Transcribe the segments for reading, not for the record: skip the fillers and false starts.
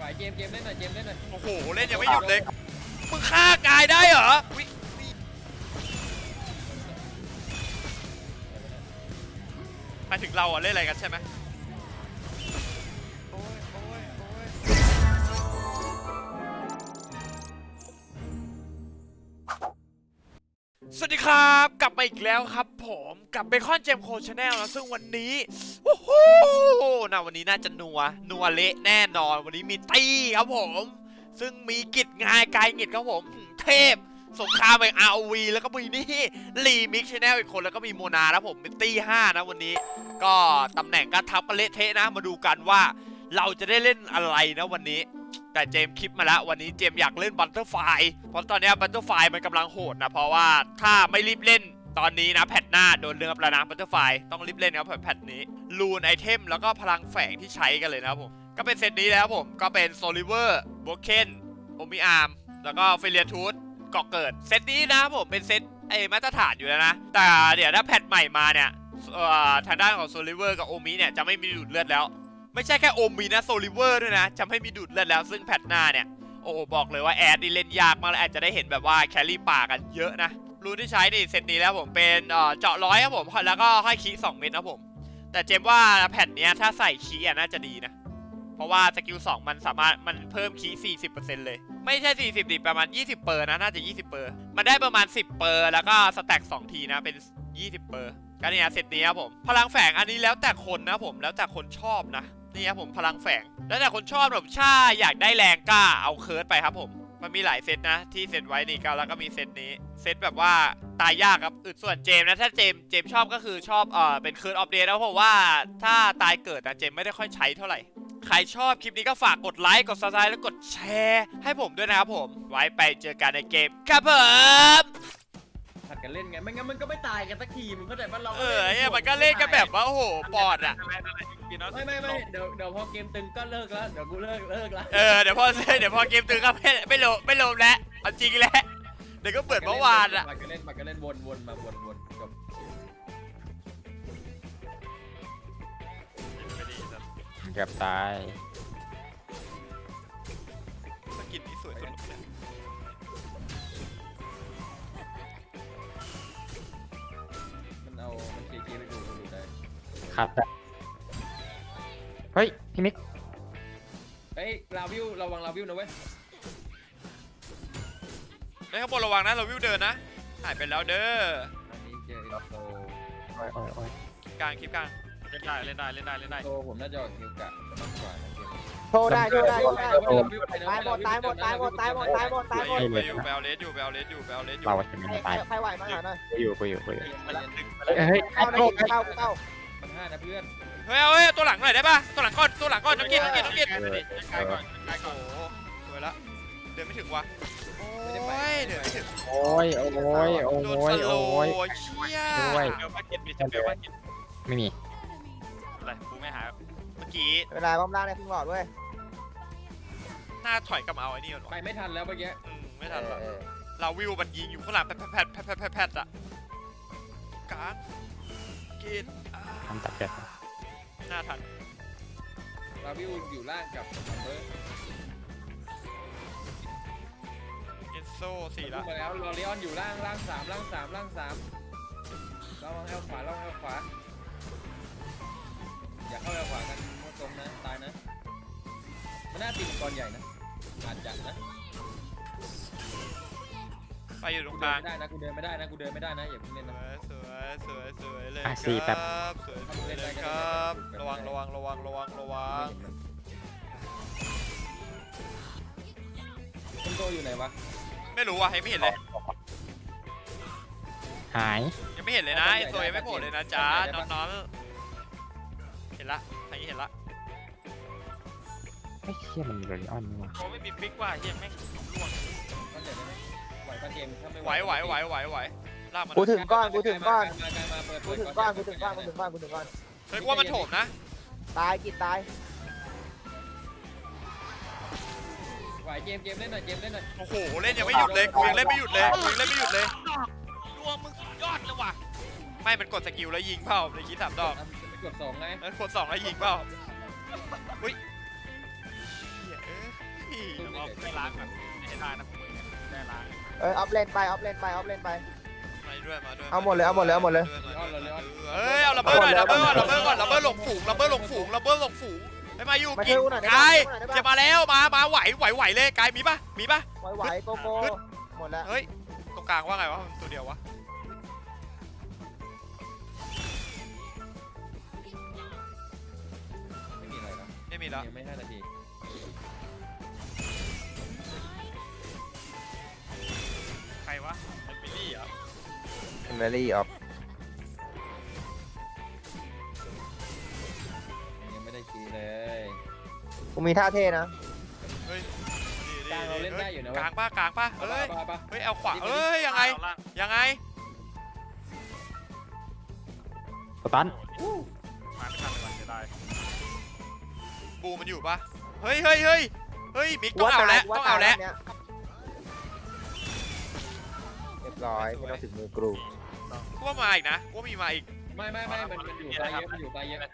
เกมเล่นหน่อยเกมเล่นหน่อยโอ้โหเล่นยังไม่หยุดเลยมึงฆ่ากายได้เหรอมาถึงเราอ่ะเล่นอะไรกันใช่ไหมสวัสดีครับกลับมาอีกแล้วครับผมกับเบคอนเจมโคชแนลนะซึ่งวันนี้โอ้โหวันนี้น่าจะนัวเละแน่นอนวันนี้มีตี้ครับผมซึ่งมีกิจงานกายกิจครับผมเทพสงครามแห่ง ROV แล้วก็มีนี่รีมิกชแนลอีกคนแล้วก็มีโมนานะผมเป็นตี้5นะวันนี้ก็ตำแหน่งก็ทับกันเละเทะนะมาดูกันว่าเราจะได้เล่นอะไรนะวันนี้แต่เจมคลิปมาแล้ววันนี้เจมอยากเล่นบัตเตอร์ไฟเพราะตอนนี้บัตเตอร์ไฟมันกำลังโหดนะเพราะว่าถ้าไม่รีบเล่นตอนนี้นะแพทหน้าโดนเลือบแล้วนะบัตเตอร์ไฟต้องรีบเล่นครับแพทนี้ลูนไอเทมแล้วก็พลังแฝงที่ใช้กันเลยนะครับผมก็เป็นเซตนี้แล้วผมก็เป็นโซลิเวอร์โบเคนโอมิอาร์มแล้วก็เฟเรียทูธเกาะเกิดเซตนี้นะผมเป็นเซตมาตรฐานอยู่แล้วนะแต่เดี๋ยวถ้าแพทใหม่มาเนี่ยทางด้านของโซลิเวอร์กับโอมิเนี่ยจะไม่มีดูดเลือดแล้วไม่ใช่แค่โอมีนะโซลิเวอร์ด้วยนะจะไม่มีดูดเลือดแล้วซึ่งแพทหน้าเนี่ยโอ้บอกเลยว่าแอดนี่เล่นยากมากและอาจจะได้เห็นแบบว่าแครี่ป่ากันเยอะนะรูที่ใช้นี่เซตนี้แล้วผมเป็นเจาะร้อยครับผมแล้วก็ให้คี2เม็ดนะผมแต่เจมว่าแพทเนี้ยถ้าใส่คีน่าจะดีนะเพราะว่าสกิล2มันสามารถมันเพิ่มคี 40% เลยไม่ใช่40ดิประมาณ20เปอร์นะน่าจะ20เปอร์มันได้ประมาณ10เปอร์แล้วก็สแต็ก2ทีนะเป็น20เปอร์ก็เนี่ยเซตนี้ครับผมพลังแฝงอันนี้แล้วแต่คนนะผมแล้วแต่คนชอบนะนี่ครับผมพลังแฝงแล้วแต่คนชอบแบบถ้าอยากได้แรงก็เอาเคิร์ดไปครับผมมันมีหลายเซตนะที่เซตไว้นี่ก็แล้วก็มีเซตนี้เซตแบบว่าตายยากครับส่วนเจมนะถ้าเจมชอบก็คือชอบเป็นเคิร์ดออฟเดย์แล้วเพราะว่าถ้าตายเกิดนะเจมไม่ได้ค่อยใช้เท่าไหร่ใครชอบคลิปนี้ก็ฝากกดไลค์กดซับสไครต์แล้วกดแชร์ให้ผมด้วยนะครับผมไว้ไปเจอกันในเกมครับผมผัดกันเล่นไงไม่งั้นมันก็ไม่ตายกันสักทีมึงเข้าใจป่ะเราเนี่ยมันก็เล่นกันแบบว่าโอ้โหปอดอ่ะไม่เดี๋ยวพอเกมตึงก็เลิกแล้วเดี๋ยวกูเลิกแล้วเดี๋ยวพอเกมตึงก็ไม่ลงแล้วเอาจริงแล้วเดี๋ยวก็เปิดเมื่อวานอ่ะผัดกันเล่นวนมาวนจบเกือบตายสกินนี้สวยสุดเลยมันเคไปดูได้ครับเฮ้ยพี่มิกเฮ้ยลาวิวระวังลาวิวนะเว้ยข้างบนระวังนะเราวิวเดินนะหายไปแล้วเด้ออันนี้เจออินโตกลางคลิปกลางเล่นได้โตผมน่าจะคิวกะมากกว่านะเกมโทรได้ตายหมดไปอยู่แบลเลสอยู่เราจะไม่ตายใครไหวมาหาหน่อยอยู่เฮ้ยเข้ามัน5นะเพื่อนเฮ้ยตัวหลังหน่อยได้ป่ะตัวหลังก้อนน้องกินกายก่อนโอ้สวยละเดินไม่ถึงวะโอ้ยเดินไม่ถึงโดนสโลเชี่ยด้วยไม่มีอะไรกูไม่หาเมื่อกี้เวลาบ้มล่างในพึ่งหลอดด้วยหน้าถอยกลับมาเอาไอ้นี่ก่อนไปไม่ทันแล้วเมื่อกี้ไม่ทันแล้วเราวิวมันยิงอยู่ข้างหลังแพทอะการกินทำตัดเกิดหน้าทันเราวิวอยู่ล่างกับซัมเบอร์เอ็นโซ่4แล้วมาแล้วลอริออนอยู่ล่าง3ระวังแอลขวาอย่าเข้าแอลขวากันมั่วตรงนะตายนะมันน่าตีมังกรใหญ่นะอาจจะนะไปอยู่ตรงกลางไม่ได้นะกูเดินไม่ได้นะอย่าเพิ่งเล่นนะสวยเลยครับสวยเลยครับระวังคุณโตอยู่ไหนวะไม่รู้ว่ะยังไม่เห็นเลยหายยังไม่เห็นเลยนะไอโซยังไม่โผล่เลยนะจ๊ะน้องเห็นละทางนี้เห็นละไม่เชี่ยมันเลยอ่อนนี่วะโอ้ไม่มีฟิกว่ะเฮียแม่งล่วงไหวปะเกมถ้าไม่ไหวลากมันกูถึงก้อนกูถึงก้อนเฮ้ยว่ามันโถมนะตายกินตายไหวเกมเล่นหน่อยโอ้โหเล่นยังไม่หยุดเลยกูยังเล่นไม่หยุดเลยดวงมึงยอดเลยว่ะไม่มันกดสกิลแล้วยิงเปล่าในคี3 ดอกกด2ไงกด2แล้วยิงเปล่าอุ้ยไม่ล้างแบบไม่ได้นะได้ล้างออฟเลนไปออฟเลนไปออฟเลนไปมาด้วยมาด้วยเอาหมดเลยเอาหมดเลยเอาหมดเลยเฮ้ยเอาระเบิดหน่อยระเบิดก่อนระเบิดหลงฝูงระเบิดหลงฝูงไปมาอยู่มากิช่นวยกูหน่อยได้กายปะจะมาแล้วมาไหวเลยกายมีปะไหวโกโก้หมดแล้วเฮ้ยตรงกลางว่าไงวะตัวเดียววะไม่มีอะไรนะไม่มีแล้วยังไม่5 นาทีใครวะเอมิลี่เหรอเมลี่ออฟยังไม่ได้คีย์เลยกูมีท่าเท่นะเฮ้ยกลางเราเล่นได้อยู่นะกลางป่ะเฮ้ยปะเฮ้ยเอาขวาเฮ้ยยังไงสตันมาไม่ทันเลยจะได้บูมันอยู่ปะเฮ้ยมิกต้องเอาแล้วเรียบร้อยไม่ต้องถึงมือกรูกูว่ามาอีกนะกูมีมาอีกไม่มันอยู่ไกลเยอะมันอยู่ไกลเยอะ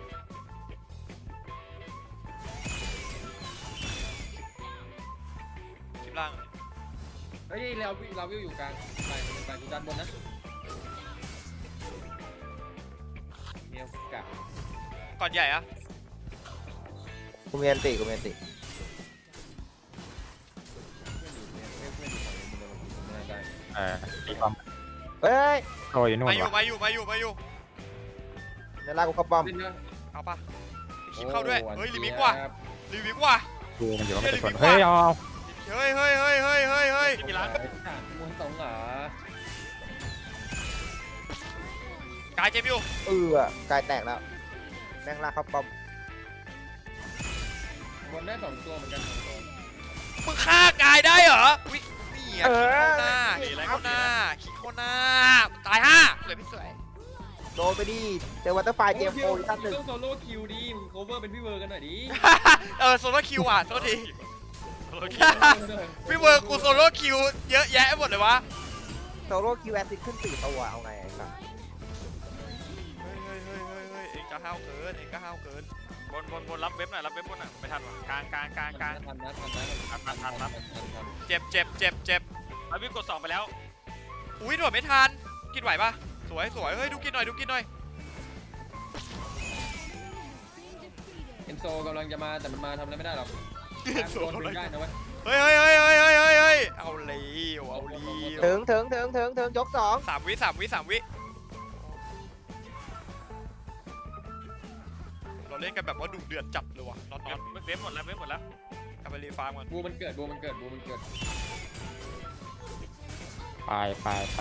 คลิปล่างเฮ้ยเราวิวอยู่กลางไปกูด้านบนนะเนี่ยกะก่อนใหญ่อะกูมีอันติกูมีอันติเพื่อนอยู่ไม่ได้ตีป้อมเฮ้ยโตอยู่นู่นมาอยู่เดี๋ยวลากกูเข้าป้อมเล่นนะเอาปะคลิปเข้าด้วยเฮ้ยลิมิกว่ะดูมันอยู่ว่ามันจะชนเฮ้ยเอาเฮ้ยมีร้านมวนสองเหรอกายเจ็บอยู่กายแตกแล้วแม่งลากเข้าป้อมบนได้2 ตัวเหมือนกัน2 ตัวมึงฆ่ากายได้เหรอวินี่อ่ะขี้เข้าหน้าตาย5สวยพี่สวยโดนไปดิเจอวัตเตอร์ไฟเจมโฟอีกท่านหนึ่งต้องโซโล่คิวดีมึงโคเวอร์เป็นพี่เวอร์กันหน่อยดิโซโล่คิวอ่ะโทษทีพี่เวอร์กูโซโล่คิวเยอะแยะหมดเลยวะโซโล่คิวแอซิดขึ้น4 ตัวเอาไงไอ้สัสเอ็งก็ห้าวเกินบนรับเว็บหน่อยไม่ทันวะกลางทันนะเจ็บมาวิ่งกด2ไปแล้วอุ้ยโดดไม่ทันกินไหวปะสวยเฮ้ยดูกินหน่อยเอ็นโซกำลังจะมาแต่มันมาทำอะไรไม่ได้หรอกโดนดึงได้นะเว้ยเฮ้ยเอาเลยถึงยก2 3 วิเราเล่นกันแบบว่าดุเดือดจัดเลยว่ะน็อตเว็บหมดแล้วกลับไปรีฟาร์มกันบูมันเกิดไป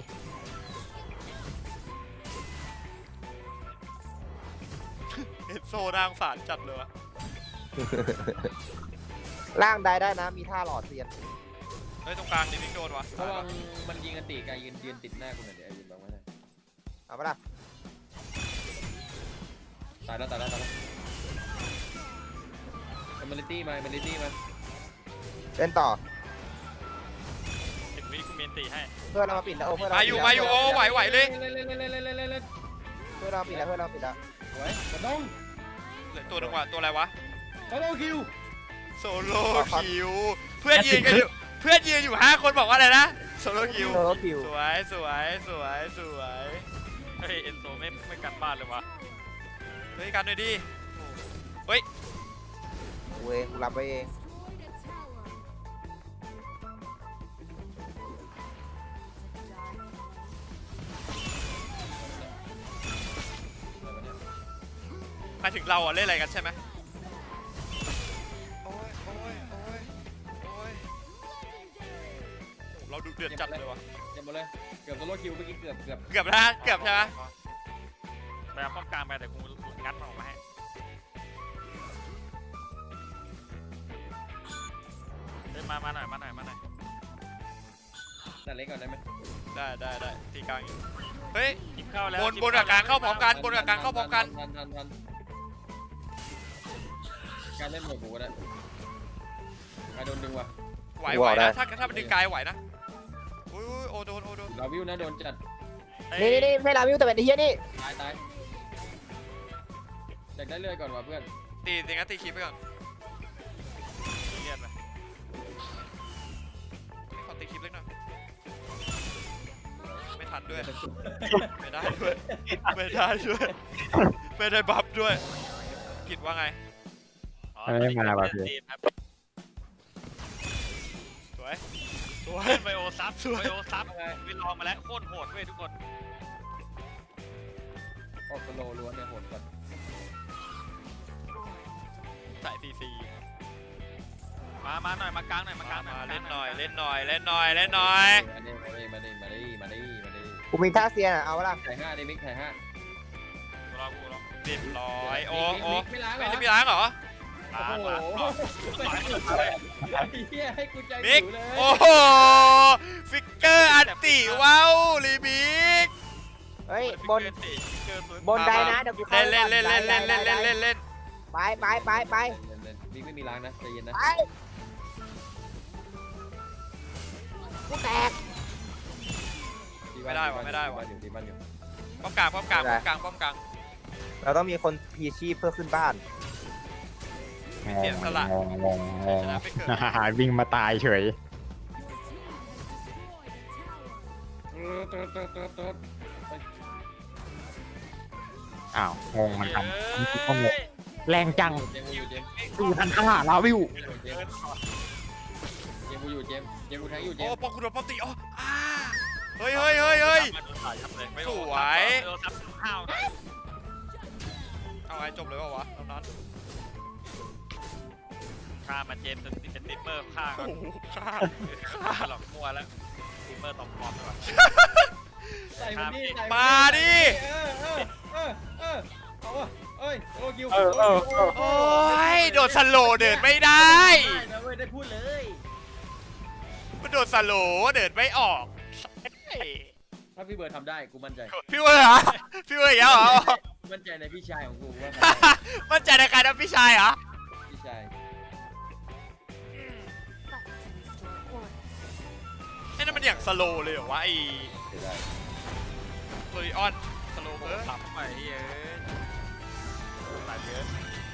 เอ็นโซนางสารจัดเลยวะล่างได้นะมีท่าหลอดเซียนเฮ้ยตรงกลางนี่มิกโดนวะระวังมันยิงกันตีกายยืนติดหน้ากูหน่อยเดี๋ยวยืนบังไว้หน่อยเอาปะล่ะตายแล้วมันลิตี้มาเล่นต่อ 10 วิกูเมนตีให้เพื่อนเรามาปิดแล้วเพื่อนเรามาอยู่โอ้ไหวเลยเพื่อนเราปิดแล้วไว้กระด้งเหลือตัวนึงว่ะตัวอะไรวะโซโล่คิวโซโล่คิวเพื่อนยืนอยู่5 คนบอกว่าอะไรนะโซโล่คิวโซโล่คิวสวยเฮ้ยเอ็นโซไม่กันบ้านเลยวะเฮ้ยกันหน่อยดิกูเองกูรับไว้เองหมายถึงเราอะเล่นอะไรกันใช่ไหมโอ้ยเราดูเดือดจัดเลยวะเจ็บหมดเลยเกือบโซโล่คิวเมื่อกี้เกือบเกือบนะเกือบใช่ไหมไปเอาป้อมกลางไปแต่กูงัดมันออกมาให้เฮ้ยมาหน่อยแต่เล็กก่อนได้ไหมได้ตีกลางอยู่เฮ้ยเข้าแล้วบนกับกลางเข้าพร้อมกันทันการเล่นหมดกูก็ได้การโดนดึงว่ะไหวนะถ้ามันดึงกายไหวนะอุ้ยโอโดนเราวิวนะโดนจัดนี่ไม่ลาวิวแต่เป็นไอ้เหี้ยนี่ตายอยากได้เลื่อยก่อนว่ะเพื่อนตีงั้นตีคีบไปก่อนเลียดไปด้วยไม่ได้ด้วยไม่ได้ด้วยไม่ได้บัฟด้วยคิดว่าไงไม่มาว่ะพี่สวยสวยไบโอซับไบโอซับไปลองมาแล้วโคตรโหดเว้ยทุกคนออกสโลล้วนเนี่ยโหดกว่าสายซีซีมาหน่อยมากลางหน่อยมากลางหน่อยมาเล่นหน่อยเล่นหน่อยเล่นหน่อยเล่นหน่อยมาดิกูมีท่าเซียนอะเอาละถ่าย5ดิมิกถ่าย5 กูรอเรียบร้อยโอ้ไม่ล้างเหรไม่อได้มีล้างเหรอโอ้โหเฮียให้กูใจมิกหิวเลยโอ้โหฟิกเกอร์อันติว้าวรีมิกเฮ้ยบนเกินปืนบนได้นะเดี๋ยวกูเข้าเล่นเล่นเล่นเล่นเล่นเล่นเล่นเล่นไปมิกไม่มีล้างนะใจเย็นนะไปกูแตกไม่ได้ว่ะไม่ได้ว่ะอยู่ที่บ้านอยู่ป้อมกลางป้อมกลางป้อมกลางป้อมกลางเราต้องมีคนพีชีพเพื่อขึ้นบ้านเสียสละงงชนะไปเกิดวิ่งมาตายเฉยอ้าวงงมันทำก็งงแรงจังเจมกูอยู่เจมดูทันข้างหลังเราวิวเจมกูอยู่เจมกูแทงอยู่เจโอ้มป้อมคุณโดนป้อมตีอ๋อเฮ้ยเฮ้ยเฮ้ยเฮ้ยไบโอซับข้าวเอาไงจบเลยเปล่าวะตอนนั้นฆ่ามาเจมส์เป็นติปเปอร์ฆ่าก็โอ้โหฆ่าฆ่าหลอกมัวแล้วติปเปอร์ตอมปลอมด้วยใส่มันดิมาดิเอาวะเอ้ยโอ้กิวโอ้ยโดนสโลว์เดินไม่ได้ได้นะเว้ยได้พูดเลยมันโดนสโลว์เดินไม่ออกเฮ้ยถ้าพี่เบิร์ดทำได้กูมั่นใจพี่เวอร์เหรอพี่เวอร์อีกแล้วเหรอมั่นใจในพี่ชายของกูว่ามั่นใจในการทำพี่ชายเหรอพี่ชายไอ้นั่นมันอย่างสโลว์เลยเหรอวะไอ้เสียดายโรลิออนสโลว์เออหลับไปเฮ้ยตัดเยอะ